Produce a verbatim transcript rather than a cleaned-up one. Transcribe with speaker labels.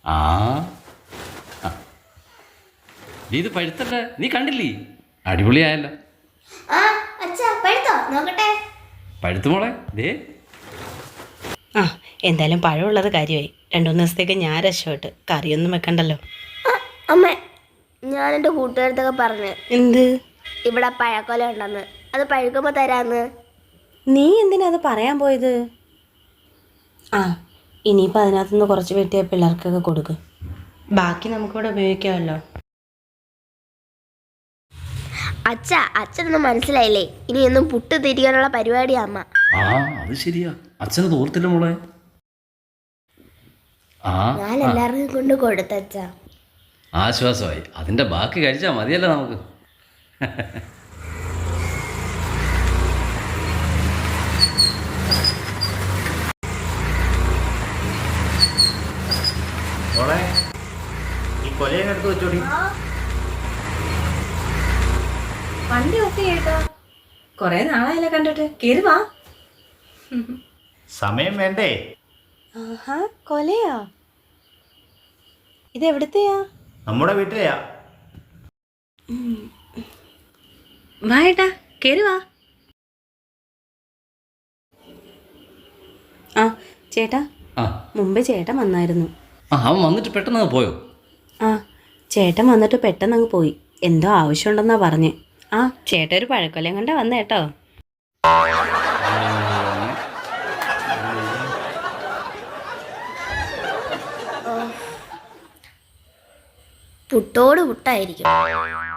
Speaker 1: ആ ആ. നീ ഇത് പഴുത്തല്ല, നീ കണ്ടില്ലേ? അടിപൊളിയായല്ലോ.
Speaker 2: ആ അച്ഛാ പഴുത്തോ നോക്കട്ടെ.
Speaker 1: പഴുത്തു മോളെ, ദേ.
Speaker 3: ആ എന്തായാലും പഴമുള്ളത് കാര്യമായി. രണ്ടു മൂന്ന് ദിവസത്തേക്ക് ഞാൻ രക്ഷപ്പെട്ട് കറിയൊന്നും വെക്കണ്ടല്ലോ.
Speaker 2: അമ്മ, ഞാൻ എൻ്റെ കൂട്ടുകാരത്തൊക്കെ പറഞ്ഞു
Speaker 3: എന്ത്?
Speaker 2: ഇവിടെ പഴക്കൊല ഉണ്ടെന്ന്, അത് പഴുക്കുമ്പോൾ തരാന്ന്.
Speaker 3: നീ എന്തിനാ അത് പറയാൻ പോയത്? ആ ഇനിയിപ്പോൾ അതിനകത്തുനിന്ന് കുറച്ച് വെട്ടിയ പിള്ളേർക്കൊക്കെ കൊടുക്കും, ബാക്കി നമുക്കിവിടെ ഉപയോഗിക്കാമല്ലോ.
Speaker 2: അച്ഛ അച്ഛനൊന്നും മനസ്സിലായില്ലേ? ഇനി ഒന്നും പുട്ട് തിരികാനുള്ള പരിപാടിയാ അമ്മ.
Speaker 1: ആ അത് ശരിയാ, അച്ഛന് തോർത്തില്ല മോളെ. ആ
Speaker 2: ഞാൻ എല്ലാവർക്കും കൊണ്ട് കൊടുത്തച്ഛ.
Speaker 1: ആശ്വാസമായി. അതിന്റെ ബാക്കി കഴിച്ചാൽ മതിയല്ലോ നമുക്ക്.
Speaker 4: മോളെ, ഈ കൊലയൊക്കെ എടുത്ത് വെച്ചോടി.
Speaker 3: വണ്ടി ഓഫ് ചെയ്യട്ടോ, കൊറേ നാളായല്ലേ കണ്ടിട്ട്. കേറി വാ.
Speaker 4: സമയം വേണ്ടേ?
Speaker 3: ആഹാ, കൊലയാ? ഇതെവിടത്തെയാ?
Speaker 4: നമ്മുടെ വീട്ടിലെയാ.
Speaker 3: വാ ഏട്ടാ, കേറി വാ. ആ ചേട്ടാ,
Speaker 1: ആ
Speaker 3: മുമ്പേ ചേട്ടൻ വന്നായിരുന്നു.
Speaker 1: ആ അവൻ വന്നിട്ട് പെട്ടെന്ന് അങ്ങ് പോയോ?
Speaker 3: ആ ചേട്ടൻ വന്നിട്ട് പെട്ടെന്ന് അങ്ങ് പോയി. എന്തോ ആവശ്യമുണ്ടെന്നാ പറഞ്ഞേ. ആ ചേട്ടൻ ഒരു പഴക്കൊല്ലം കൊണ്ടാ വന്ന കേട്ടോ.
Speaker 2: പുട്ടോട് പുട്ടായിരിക്കും.